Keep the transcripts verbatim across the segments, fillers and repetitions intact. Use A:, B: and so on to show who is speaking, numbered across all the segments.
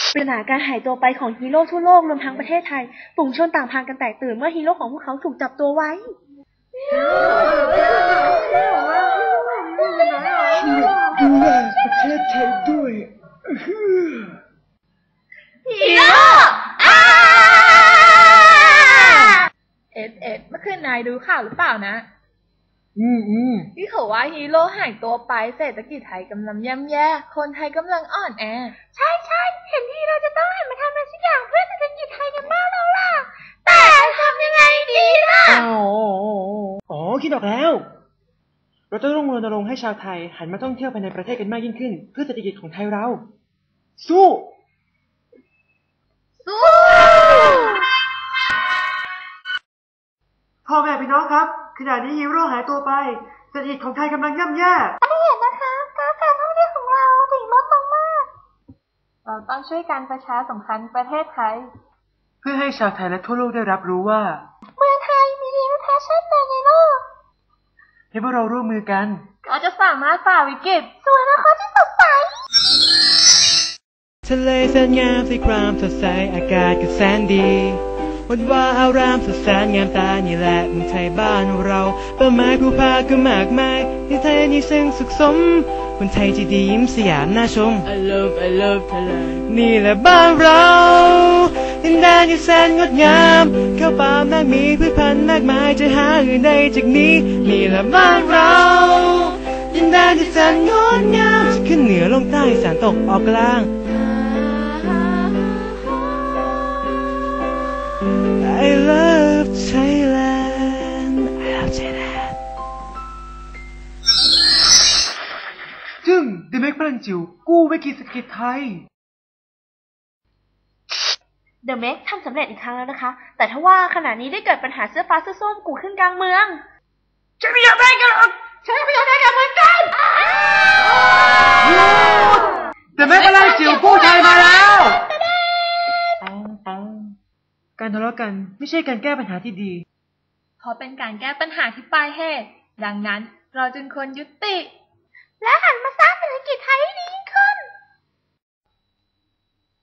A: ปริศนาการหายตัวไปของฮีโร่ทั่วโลกรวมทั้งประเทศไทยฝูงชนต่างพากันแตกตื่นเมื่อฮีโร่ของพวกเขาถูกจับตัวไว้
B: ดูแลประเทศไทยด้วย
C: ฮีโร่เอสเอสเมื่อคืนนายดูข่าวหรือเปล่านะ
B: อืมอืม
C: ที่เขาว่าฮีโร่หายตัวไปเศรษฐกิจไทยกำลังย่ำแย่คนไทยกำลังอ่อนแอ
A: ใช่ใช่เห็นที่เราจะต้องหันมาทำอะไรสักอย่างเพื่อเศรษฐกิจไทยกันบ้างแล้วล่ะแต่ทำยังไงดีล่ะ
B: อ๋ออ๋อคิดออกแล้วเราจะต้องรณรงค์ให้ชาวไทยหันมาท่องเที่ยวภายในประเทศกันมากยิ่งขึ้นเพื่อเศรษฐกิจของไทยเราสู้
C: สู้
B: พ่อแม่พี่น้องครับขณะนี้ฮีโร่หายตัวไปเศรษฐกิจของไทยกำลังย่ำแย่
A: ไม่เห็นนะคะการการท่องเที่ยวของเราถึงลดลงมาก
C: เราต้องช่วยการประชาสัมพันธ์ประเทศไทย
B: เพื่อให้ชาวไทยและทั่วโลกได้รับรู้ว่า
A: เมืองไทยมีดีไม่แพ้ชาติใดในโลก
B: ให้พวกเราร่วมมือกัน
C: ก็จะสามารถฝ่าวิกฤต
A: สู่อนาคตที่สดใส
B: ทะเลแสนงามสีครามสดใสอากาศก็แสนดีวันว่าอารามสุดแสนงามตานี่แหละเมืองไทยบ้านเราเป้าหมายผู้พาก็มากมายในไทยนี่ซึ่งสุขสมคนไทยที่ดียิ้มสยามน่าชม I love I love Thailand นี่แหละบ้านเราดินแดนที่แสนงดงามข้าวป่ามากมีพืชพันธุ์มากมายจะหาอื่นใดจากนี้นี่แหละบ้านเราดินแดนที่แสนงดงามจะขึ้นเหนือลงใต้อีสานตกออกกลางI love Thailand I love Thailand จึงเดเมกพลังจิ๋วกู้วิกฤตเศรษฐกิจไทย
A: เดอะเมกทำสำเร็จอีกครั้งแล้วนะคะแต่ถ้าว่าขณะนี้ได้เกิดปัญหาเสื้อฟ้าเสื้อส้มกูขึ้นกลางเมือง
B: ฉันไม่อยากได้กันหรอก
A: ฉันไม่อยากได้กันเหมือนกัน
B: เดเมกพลังจิ๋วกู้ไทยมาแล้วการทะเลาะกันไม่ใช่การแก้ปัญหาที่ดี
C: เพราะเป็นการแก้ปัญหาที่ปลายเหตุดังนั้นเราจึงควรยุติ
A: และหันมาสร้างเศรษฐกิจไทยให้ดีขึ้น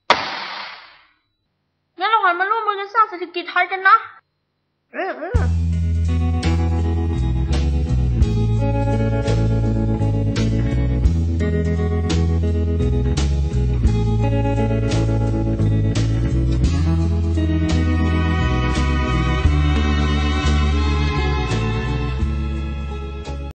A: งั้นเราหันมาร่วมมือกันสร้างเศรษฐกิจไทยกันนะเออ